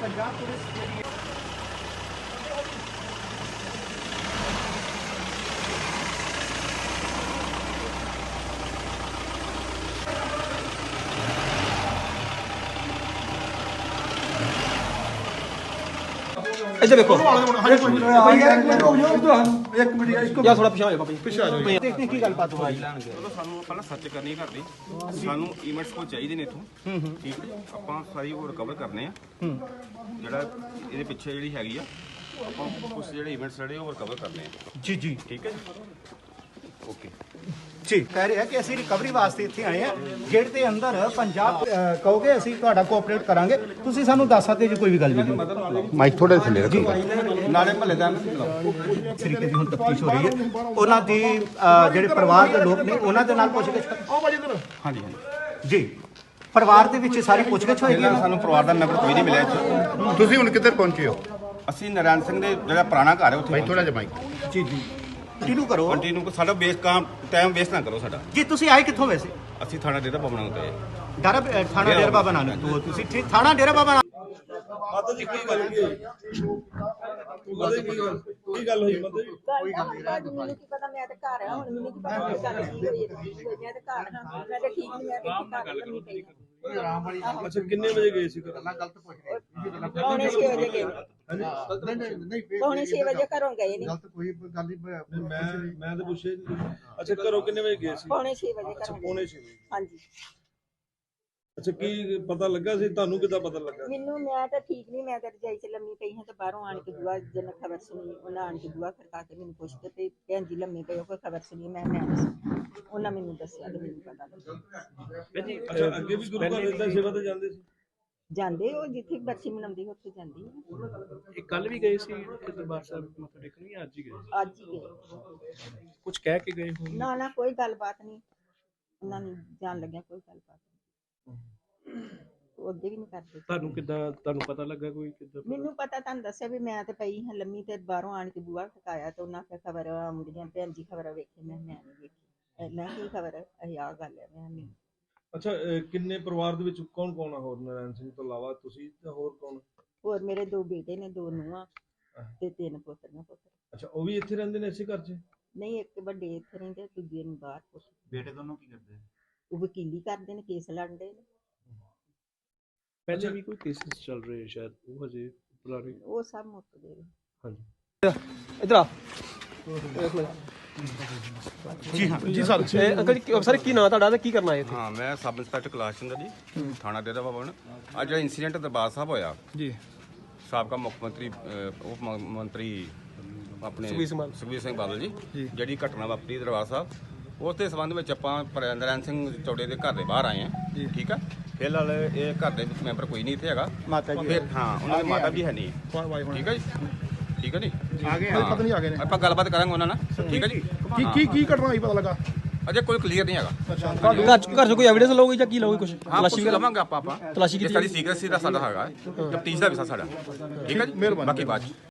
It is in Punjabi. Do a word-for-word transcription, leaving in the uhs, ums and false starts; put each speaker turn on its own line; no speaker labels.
पंजाब पुलिस
इधर देखो
एक मिनट
यार थोड़ा पीछे आ जाओ पापा जी
पीछे आ जाओ देखने की गलबात हो रही
ਚਲੋ ਸਾਨੂੰ ਪਹਿਲਾਂ ਸੱਚ ਕਰਨੀ ਘਰ ਦੀ ਸਾਨੂੰ ਈਵੈਂਟਸ ਕੋ ਚਾਹੀਦੇ ਨੇ ਇਥੋਂ ਠੀਕ ਹੈ ਆਪਾਂ ਸਾਰੀ ਉਹ ਰਿਕਵਰ ਕਰਨੇ ਆ ਜਿਹੜਾ ਇਹਦੇ ਪਿੱਛੇ ਜਿਹੜੀ ਹੈਗੀ ਆ ਆਪਾਂ ਕੁਝ ਜਿਹੜੇ ਈਵੈਂਟਸ ਜਿਹੜੇ ਉਹ ਰਿਕਵਰ ਕਰਨੇ ਆ
जी जी
ਠੀਕ ਹੈ ਜੀ ਓਕੇ
ਜੀ ਕਹਿ ਰਿਹਾ ਕਿ ਅਸੀਂ ਰਿਕਵਰੀ ਵਾਸਤੇ ਇੱਥੇ ਆਏ ਆ ਗੇਟ ਦੇ ਅੰਦਰ ਪੰਜਾਬ ਅਹ, ਕਹੋਗੇ ਅਸੀਂ ਤੁਹਾਡਾ ਕੋਆਪਰੇਟ ਕਰਾਂਗੇ ਤੁਸੀਂ ਸਾਨੂੰ ਦੱਸ ਸਕਦੇ ਜੇ ਕੋਈ ਵੀ ਗੱਲ ਨਹੀਂ
ਮਾਈਕ ਥੋੜੇ ਥੱਲੇ ਰੱਖੋ
ਨਾਲੇ ਮਹੱਲੇ ਦਾ
ਇਸ ਤਰੀਕੇ ਦੀ ਹੁਣ ਤਫਤੀਸ਼ ਹੋ ਰਹੀ ਹੈ ਉਹਨਾਂ ਦੀ ਅਹ, ਜਿਹੜੇ ਪਰਿਵਾਰ ਦੇ ਲੋਕ ਨੇ ਉਹਨਾਂ ਦੇ ਨਾਲ ਪੁੱਛਗਿੱਛ
ਹਾਂਜੀ ਹਾਂਜੀ
ਜੀ ਪਰਿਵਾਰ ਦੇ ਵਿੱਚ ਸਾਰੀ ਪੁੱਛਗਿੱਛ ਹੋਏਗੀ
ਪਹਿਲਾਂ ਸਾਨੂੰ ਪਰਿਵਾਰ ਦਾ ਮੈਂਬਰ ਕੋਈ ਨਹੀਂ ਮਿਲਿਆ ਇੱਥੇ
ਤੁਸੀਂ ਹੁਣ ਕਿੱਧਰ ਪਹੁੰਚੇ ਹੋ
ਅਸੀਂ ਨਾਰਾਇਣ ਸਿੰਘ ਦੇ ਜਿਹੜਾ ਪੁਰਾਣਾ ਘਰ ਹੈ ਉੱਥੇ
ਭਾਈ ਥੋੜਾ ਜਿਹਾ ਮਾਈਕ
ਜੀ ਜੀ ਕੰਟੀਨਿਊ ਕਰੋ
ਕੰਟੀਨਿਊ ਸਾਡਾ ਬੇਸ ਕੰਮ ਟਾਈਮ ਵੇਸਟ ਨਾ ਕਰੋ ਸਾਡਾ
ਜੀ ਤੁਸੀਂ ਆਏ ਕਿੱਥੋਂ ਵੈਸੇ
ਅਸੀਂ ਥਾਣਾ ਡੇਰਾ ਬਾਬਾ ਨਾਨਕ ਤੇ
ਡਾਰਾ ਅਹ, ਥਾਣਾ ਡੇਰਾ ਬਾਬਾ ਨਾਨਕ ਤੋਂ ਤੁਸੀਂ ਠੀਕ ਥਾਣਾ ਡੇਰਾ ਬਾਬਾ ਨਾਨਕ
ਮਾਤਾ ਜੀ ਕੀ ਗੱਲ ਕੀ ਹੋਈ ਮਾਤਾ ਜੀ ਕੀ ਗੱਲ ਕੀ ਗੱਲ ਹੋਈ ਮਾਤਾ ਜੀ
ਕੋਈ ਗੱਲ ਨਹੀਂ ਮੈਨੂੰ ਕੀ ਪਤਾ ਮੈਂ ਤੇ ਘਰ ਆ ਹੁਣ ਮੈਨੂੰ ਕੀ ਪਤਾ ਕੀ ਗੱਲ ਕੀ ਹੋਈ ਮੈਂ ਤੇ ਘਰ ਹਾਂ ਮੈਂ ਤੇ ਠੀਕ ਨਹੀਂ ਮੈਂ ਤੇ ਘਰ ਲੰਮੀ ਪਈ
ਅੱਛਾ ਕਿੰਨੇ ਵਜੇ ਗਏ ਸੀ ਘਰ
ਪੌਣੇ ਛੇ ਵਜੇ ਗਏ ਪੌਣੇ ਛੇ ਵਜੇ ਘਰੋਂ ਗਏ ਨਹੀਂ
ਨਹੀਂ, ਮੈਂ ਮੈਂ ਤਾਂ ਪੁੱਛਿਆ ਜੀ ਤੁਸੀਂ। ਅੱਛਾ ਘਰੋਂ ਕਿੰਨੇ ਵਜੇ ਗਏ ਸੀ
ਪੌਣੇ ਛੇ ਵਜੇ
ਅੱਛਾ
ਘਰੋਂ
ਪੌਣੇ
ਗਏ
ਛੇ ਵਜੇ
ਹਾਂਜੀ
ਅੱਛਾ ਕੀ ਪਤਾ ਲੱਗਾ ਸੀ ਤੁਹਾਨੂੰ ਕਿੱਦਾਂ ਪਤਾ ਲੱਗਾ
ਮੈਨੂੰ ਮੈਂ ਤਾਂ ਠੀਕ ਨਹੀਂ ਮੈਂ ਤਾਂ ਰਜਾਈ 'ਚ ਲੰਮੀ ਪਈ ਹਾਂ ਤੇ ਬਾਹਰੋਂ ਆਣ ਕੇ ਦੁਆ ਜਨ ਖਬਰ ਸੁਣੀ ਉਹਨਾਂ ਆਣ ਕੇ ਦੁਆ ਖੜਕਾ ਕੇ ਮੈਨੂੰ ਪੁੱਛਦੇ ਤੇ ਭੈਣ ਜੀ ਲੰਮੀ ਪਈ ਹੋ ਕੋਈ ਖਬਰ ਸੁਣੀ ਮੈਂ ਮੈਂ ਨਹੀਂ ਸੁਣੀ। ਉਹਨਾਂ ਮੈਨੂੰ ਦੱਸਿਆ ਤੇ ਮੈਨੂੰ ਪਤਾ ਲੱਗਾ
ਅੱਛਾ ਅੱਗੇ ਵੀ ਗੁਰੂ ਘਰ ਇਦਾਂ ਸੇਵਾ ਤੇ ਜਾਂਦੇ ਸੀ
ਜਾਂਦੇ ਉਹ ਜਿੱਥੇ ਬਰਸੀ ਮਨਾਉਂਦੀ ਉੱਥੇ ਜਾਂਦੀ ਆ।
ਇਹ ਕੱਲ ਵੀ ਗਏ ਸੀ ਦਰਬਾਰ ਸਾਹਿਬ ਮੱਥਾ ਟੇਕਣ ਜਾਂ ਅੱਜ ਹੀ ਗਏ
ਅੱਜ ਹੀ ਗਏ
ਕੁਝ ਕਹਿ ਕੇ ਗਏ ਹੋਣ
ਨਾ ਨਾ ਕੋਈ ਗੱਲਬਾਤ ਨਹੀਂ ਉਹਨਾਂ ਨੂੰ ਜਾਣ ਲੱਗਿਆ ਕੋਈ ਗੱਲਬਾਤ ਨਹੀਂ ਉਹ ਅੱਗੇ ਵੀ ਨਹੀਂ ਕਰਦੇ
ਤੁਹਾਨੂੰ ਕਿੱਦਾਂ ਤੁਹਾਨੂੰ ਪਤਾ ਲੱਗਾ ਕੋਈ ਕਿੱਦਾਂ
ਮੈਨੂੰ ਪਤਾ ਤੁਹਾਨੂੰ ਦੱਸਿਆ ਵੀ ਮੈਂ ਤੇ ਪਈ ਹਾਂ ਲੰਮੀ ਤੇ ਬਾਹਰੋਂ ਆਣ ਕੇ ਬੂਹਾ ਖਟਕਾਇਆ ਤੇ ਉਹਨਾਂ ਕੇ ਖਬਰ ਆਉਂਦੀਆਂ ਭੈਣ ਜੀ ਖਬਰ ਵੇਖੀ ਮੈਂ ਮੈਂ ਨਹੀਂ ਵੇਖੀ ਮੈਂ ਕੀ ਖਬਰ ਇਹ ਆ ਗੱਲ ਹੈ ਮੈਂ ਨਹੀਂ
ਅੱਛਾ ਅਹ, ਕਿੰਨੇ ਪਰਿਵਾਰ ਦੇ ਵਿੱਚ ਕੌਣ ਕੌਣ ਆ ਹੋਰ ਨਾਰਾਇਣ ਸਿੰਘ ਤੋਂ ਇਲਾਵਾ ਤੁਸੀਂ ਤੇ ਹੋਰ ਕੌਣ
ਹੋਰ ਮੇਰੇ ਦੋ ਬੇਟੇ ਨੇ ਦੋ ਨੂੰਹਾਂ ਤੇ ਤਿੰਨ ਪੁੱਤਰ ਪੁੱਤਰ
ਅੱਛਾ ਉਹ ਵੀ ਇੱਥੇ ਰਹਿੰਦੇ ਨੇ ਇਸੇ ਘਰ 'ਚ
ਨਹੀਂ ਇੱਕ ਵੱਡੇ ਇੱਥੇ ਰਹਿੰਦੇ ਦੂਜੇ ਨੂੰ ਬਾਹਰ ਪੁੱਤ
ਬੇਟੇ ਦੋਨੋਂ ਕੀ ਕਰਦੇ
ਉਹ ਵਕੀਲੀ ਕਰਦੇ ਨੇ ਕੇਸ ਲੜਦੇ ਨੇ
ਪਹਿਲੇ ਵੀ ਕੋਈ ਕੇਸਿਸ ਚੱਲ ਰਹੇ ਆ ਸ਼ਾਇਦ ਉਹ ਹਜੇ ਪੁਰਾਣੇ
ਉਹ ਸਭ ਮੁੱਕ ਗਏ ਨੇ।
ਹਾਂਜੀ
इधर आ
ਜੀ ਹਾਂ
जी सर ए, अंकल जी सर की नाम ਤੁਹਾਡਾ ਤੇ ਕੀ ਕਰਨਾ ਹੈ ਇੱਥੇ
ਹਾਂ ਮੈਂ ਸਬ ਇੰਸਪੈਕਟਰ ਕੈਲਾਸ਼ ਚੰਦਰ ਜੀ ਥਾਣਾ ਡੇਰਾ ਬਾਬਾ ਨਾਨਕ ਅੱਜ ਜਿਹੜਾ ਇਨਸੀਡੈਂਟ ਦਰਬਾਰ ਸਾਹਿਬ ਹੋਇਆ
ਜੀ
ਸਾਬਕਾ ਮੁੱਖ ਮੰਤਰੀ ਅਹ, ਉਪ ਮ- ਮੰਤਰੀ ਆਪਣੇ
ਸੁਖਬੀਰ ਸਿੰਘ ਬਾਦਲ।
ਸੁਖਬੀਰ ਸਿੰਘ ਬਾਦਲ ਜੀ ਜਿਹੜੀ ਘਟਨਾ ਵਾਪਰੀ ਦਰਬਾਰ ਸਾਹਿਬ ਉਸ ਦੇ ਸੰਬੰਧ ਵਿੱਚ ਆਪਾਂ ਨਰਾਇਣ ਸਿੰਘ ਚੌੜੇ ਦੇ ਘਰ ਦੇ ਬਾਹਰ ਆਏ ਹਾਂ ਠੀਕ ਆ ਫਿਲਹਾਲ ਇਹ ਘਰ ਦੇ ਵਿੱਚ ਮੈਂਬਰ ਕੋਈ ਨਹੀਂ ਇੱਥੇ ਹੈਗਾ
ਮਾਤਾ ਜੀ
ਫਿਰ ਹਾਂ ਉਹਨਾਂ ਦੀ ਮਾਤਾ ਵੀ ਹੈ ਨਹੀਂ ਠੀਕ ਹੈ ਜੀ ਠੀਕ ਹੈ ਜੀ
ਆ ਗਏ
ਪਤਾ ਨਹੀਂ ਆ ਗਏ ਨੇ ਆਪਾਂ ਗੱਲਬਾਤ ਕਰਾਂਗੇ ਉਹਨਾਂ ਨਾਲ ਠੀਕ ਹੈ ਜੀ
ਕੀ ਕੀ ਕੀ ਘਟਨਾ ਹੋਈ ਪਤਾ ਲੱਗਾ
ਅਜੇ ਕੋਈ ਕਲੀਅਰ ਨਹੀਂ ਹੈਗਾ
ਘਰ ਚ ਘਰ ਚ ਕੋਈ ਐਵੀਡੈਂਸ ਲਓਗੇ ਜਾਂ ਕੀ ਲਓਗੇ ਕੁਝ
ਹਾਂ
ਤਲਾਸ਼ੀ
ਕੁਛ
ਵਗੈਰਾ
ਲਵਾਂਗੇ ਆਪਾਂ ਆਪਾਂ
ਤਲਾਸ਼ੀ
ਇਹ
ਕੀਤੀ
ਸਾਡੀ ਸੀਕ੍ਰੇਸੀ ਦਾ ਸਾਡਾ ਹੈਗਾ ਤਫਤੀਸ਼ ਦਾ ਵਿਸ਼ਾ ਸਾਡਾ ਠੀਕ ਹੈ ਜੀ ਬਾਕੀ ਬਾਅਦ 'ਚ